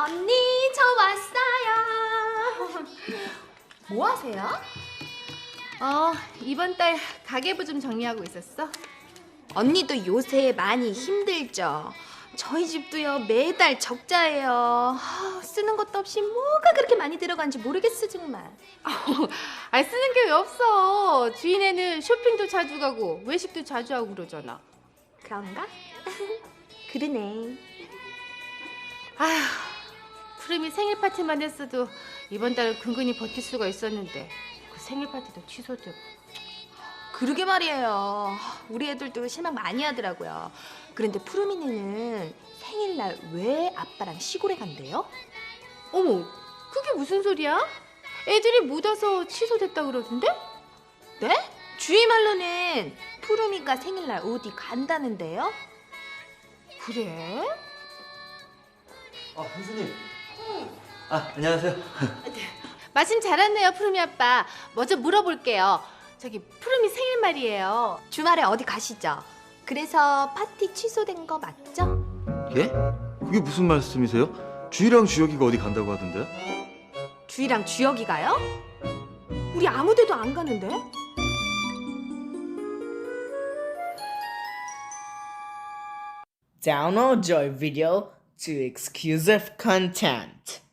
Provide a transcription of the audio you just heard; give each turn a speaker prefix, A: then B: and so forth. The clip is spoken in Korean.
A: 언니, 저 왔어요. 뭐 하세요?
B: 이번 달 가계부 좀 정리하고 있었어.
A: 언니도 요새 많이 힘들죠? 저희 집도요, 매달 적자예요. 쓰는 것도 없이 뭐가 그렇게 많이 들어간지 모르겠어, 정말.
B: 쓰는 게 왜 없어. 주인애는 쇼핑도 자주 가고 외식도 자주 하고 그러잖아.
A: 그런가? 그러네.
B: 푸름이 생일 파티만 했어도 이번 달은 근근히 버틸 수가 있었는데 그 생일 파티도 취소되고.
A: 그러게 말이에요. 우리 애들도 실망 많이 하더라고요. 그런데 푸르미네는 생일날 왜 아빠랑 시골에 간대요?
B: 어머, 그게 무슨 소리야? 애들이 못 와서 취소됐다 그러던데?
A: 네? 주희 말로는 푸르미가 생일날 어디 간다는데요?
B: 그래?
C: 형수님. 안녕하세요.
B: 마침 잘 왔네요, 푸름이 아빠. 먼저 물어볼게요. 저기 푸름이 생일 말이에요.
A: 주말에 어디 가시죠? 그래서 파티 취소된 거 맞죠?
C: 예? 그게 무슨 말씀이세요? 주희랑 주혁이가 어디 간다고 하던데?
A: 주희랑 주혁이 가요? 우리 아무 데도 안 가는데?
D: Download Joy Video to exclusive content.